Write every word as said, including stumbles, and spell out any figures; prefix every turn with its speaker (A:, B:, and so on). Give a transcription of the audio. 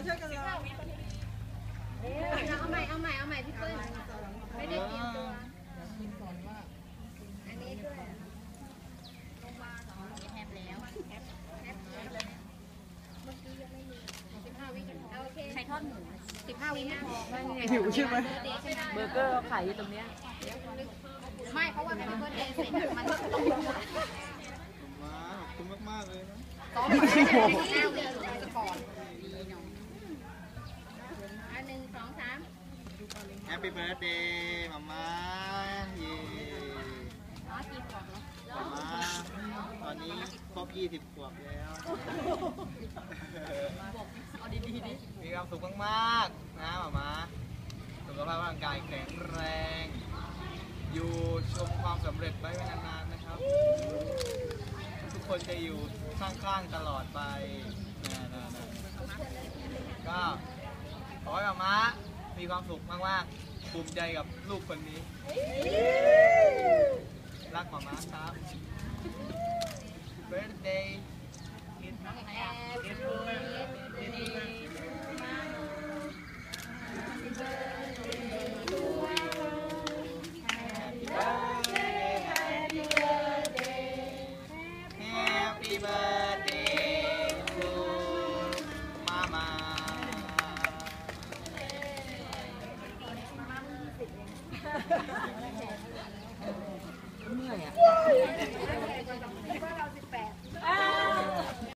A: ช่วยกันร้อง
B: เอาใหม่เอาใหม่เอาใหม่พี่เปิ้ลไม่ได้เตรียมตัวอันนี้ด้วยแฮปแล้วแฮปแฮปเลยเมื่อกี้ยังไม่มีสิบห้าวิกันโอเคใช้ทอดหมูสิบห้าวิไม่พอ
A: หิวใช่ไหม
C: เบอร์เกอร์เขาขายอยู่ตรงเนี้ย
B: ไม่เพราะว่าเป็นเพื่อนเดย์เสร็จมันต้อง
A: มาขอบคุณมากๆเลยนะ
B: ซ้อมมาแล้วเดี๋ยวจะก่อนดีหน่อยอันหนึ่งสองสาม
A: Happy birthday มาม่าเย่
B: อ๋อกี่ขวบแล้ว
A: มาม่าตอนนี้ครบยี่สิบขวบแล้ว
B: เอาดีๆดิ
A: มีความสุขมากๆนะมาม่าสุขภาพร่างกายแข็งแรงอยู่ชมความสำเร็จไว้นานๆนะครับทุกคนจะอยู่ข้างๆตลอดไปนะๆก็ขอให้มาม่ามีความสุขมากๆภูมิใจกับลูกคนนี้รักมาม่าครับ Birthday
B: Happy
A: birthday to Mama
B: มาม่ามือสิบเอง